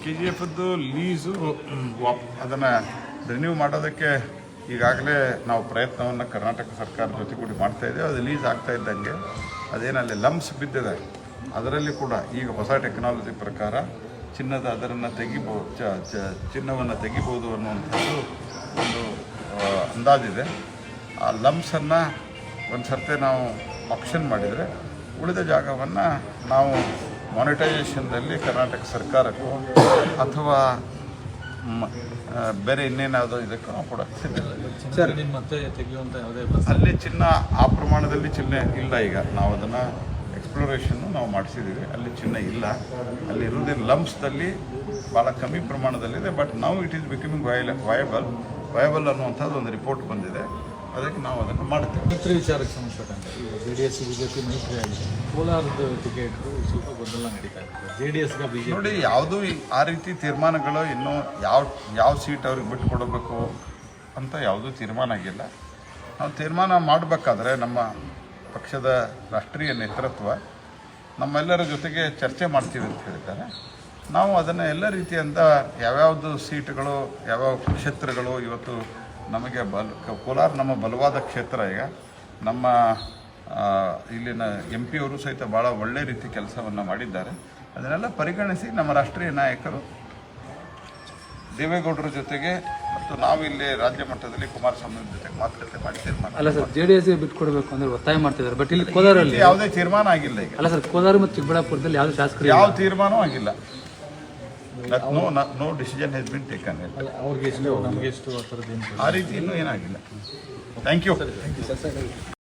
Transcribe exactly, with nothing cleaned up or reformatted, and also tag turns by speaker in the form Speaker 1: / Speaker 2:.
Speaker 1: K G ಎಫ್ದು lease ವಾಪ್ ಅದನ್ನು ರಿನ್ಯೂ ಮಾಡೋದಕ್ಕೆ ಈಗಾಗಲೇ ನಾವು ಪ್ರಯತ್ನವನ್ನು ಕರ್ನಾಟಕ ಸರ್ಕಾರದ ಜೊತೆ ಕೂಡಿ ಮಾಡ್ತಾಯಿದ್ದೇವೆ. ಅದು ಲೀಸ್ ಆಗ್ತಾ ಇದ್ದಂಗೆ ಅದೇನಲ್ಲಿ ಲಂಪ್ಸ್ ಬಿದ್ದಿದೆ, ಅದರಲ್ಲಿ ಕೂಡ ಈಗ ಹೊಸ ಟೆಕ್ನಾಲಜಿ ಪ್ರಕಾರ ಚಿನ್ನದ ಅದರನ್ನು ತೆಗಿಬೋದು, ಚ ಚ ಚಿನ್ನವನ್ನು ತೆಗಿಬೋದು ಅನ್ನುವಂಥದ್ದು ಒಂದು ಅಂದಾಜಿದೆ. ಆ ಲಂಪ್ಸನ್ನು ಒಂದು ಸರ್ತಿ ನಾವು ಆಪ್ಷನ್ ಮಾಡಿದರೆ ಉಳಿದ ಜಾಗವನ್ನು ನಾವು ಮಾನಿಟೈಸೇಷನ್ದಲ್ಲಿ ಕರ್ನಾಟಕ ಸರ್ಕಾರಕ್ಕೂ ಅಥವಾ ಬೇರೆ ಇನ್ನೇನಾದರೂ ಇದಕ್ಕೂ ನಾವು ಕೂಡ ಸಿದ್ಧತೆ.
Speaker 2: ಮತ್ತೆ ತೆಗೆಯುವಂಥ ಯಾವುದೇ
Speaker 1: ಅಲ್ಲಿ ಚಿನ್ನ ಆ ಪ್ರಮಾಣದಲ್ಲಿ ಚಿನ್ನ ಇಲ್ಲ. ಈಗ ನಾವು ಅದನ್ನು ಎಕ್ಸ್ಪ್ಲೋರೇಷನ್ನು ನಾವು ಮಾಡಿಸಿದ್ದೀವಿ, ಅಲ್ಲಿ ಚಿನ್ನ ಇಲ್ಲ. ಅಲ್ಲಿ ಇರುವುದೇ ಲಂಪ್ಸ್ದಲ್ಲಿ ಭಾಳ ಕಮ್ಮಿ ಪ್ರಮಾಣದಲ್ಲಿದೆ. ಬಟ್ ನಾವು it is becoming viable viable viable ಅನ್ನುವಂಥದ್ದು ಒಂದು ರಿಪೋರ್ಟ್ ಬಂದಿದೆ, ಅದಕ್ಕೆ ನಾವು ಅದನ್ನು ಮಾಡ್ತೇವೆ.
Speaker 2: ಮೈತ್ರಿ ವಿಚಾರಕ್ಕೆ ಸಂಬಂಧಪಟ್ಟಂತೆ ಜೆ ಡಿ ಎಸ್ ಬಿಜೆಪಿ ಮೈತ್ರಿ ಆಗಿದೆ, ಕೋಲಾರದ ಟಿಕೆಟ್ ಸ್ವಲ್ಪ ಗೊಂದಲ ನಡೀತಾ ಇದೆ. ಜೆ ಡಿ ಎಸ್ಗೆ ಬಿಜೆಪಿ
Speaker 1: ನೋಡಿ, ಯಾವುದೂ ಆ ರೀತಿ ತೀರ್ಮಾನಗಳು ಇನ್ನೂ ಯಾವ ಯಾವ ಸೀಟ್ ಅವ್ರಿಗೆ ಬಿಟ್ಟು ಕೊಡಬೇಕು ಅಂತ ಯಾವುದೂ ತೀರ್ಮಾನ ಆಗಿಲ್ಲ. ನಾವು ತೀರ್ಮಾನ ಮಾಡಬೇಕಾದ್ರೆ ನಮ್ಮ ಪಕ್ಷದ ರಾಷ್ಟ್ರೀಯ ನೇತೃತ್ವ ನಮ್ಮೆಲ್ಲರ ಜೊತೆಗೆ ಚರ್ಚೆ ಮಾಡ್ತೀವಿ ಅಂತ ಹೇಳಿದ್ದಾರೆ. ನಾವು ಅದನ್ನು ಎಲ್ಲ ರೀತಿಯಿಂದ ಯಾವ್ಯಾವುದು ಸೀಟ್ಗಳು ಯಾವ್ಯಾವ ಕ್ಷೇತ್ರಗಳು ಇವತ್ತು ನಮಗೆ ಬಲ ಕೋಲಾರ ನಮ್ಮ ಬಲವಾದ ಕ್ಷೇತ್ರ. ಈಗ ನಮ್ಮ ಇಲ್ಲಿನ ಎಂ ಪಿ ಅವರು ಸಹಿತ ಭಾಳ ಒಳ್ಳೆ ರೀತಿ ಕೆಲಸವನ್ನು ಮಾಡಿದ್ದಾರೆ. ಅದನ್ನೆಲ್ಲ ಪರಿಗಣಿಸಿ ನಮ್ಮ ರಾಷ್ಟ್ರೀಯ ನಾಯಕರು ದೇವೇಗೌಡರ ಜೊತೆಗೆ ಮತ್ತು ನಾವು ಇಲ್ಲಿ ರಾಜ್ಯ ಮಟ್ಟದಲ್ಲಿ ಕುಮಾರಸ್ವಾಮಿ ಜೊತೆಗೆ ಮಾತುಕತೆ ಮಾಡಿ ತೀರ್ಮಾನ.
Speaker 3: ಅಲ್ಲ ಸರ್, ಜೆ ಡಿ ಎಸ್ಗೆ ಬಿಟ್ಟು ಕೊಡಬೇಕು ಅಂದ್ರೆ ಒತ್ತಾಯ ಮಾಡ್ತಿದ್ದಾರೆ. ಬಟ್ ಇಲ್ಲಿ ಕೋಲಾರಲ್ಲಿ
Speaker 1: ಯಾವುದೇ ತೀರ್ಮಾನ ಆಗಿಲ್ಲ. ಈಗ
Speaker 3: ಅಲ್ಲ ಸರ್, ಕೋಲಾರ ಮತ್ತು ಚಿಕ್ಕಬಳ್ಳಾಪುರದಲ್ಲಿ ಯಾವುದೇ ಶಾಸಕರು
Speaker 1: ಯಾವ ತೀರ್ಮಾನವೂ ಆಗಿಲ್ಲ. No no decision has been taken.
Speaker 2: ಅವ್ರಿಗೆ ಎಷ್ಟು ನಮಗೆ ಎಷ್ಟು ಆ ಥರದ್ದು ಏನು
Speaker 1: ಆ ರೀತಿ ಇನ್ನೂ ಏನಾಗಿಲ್ಲ. Thank you.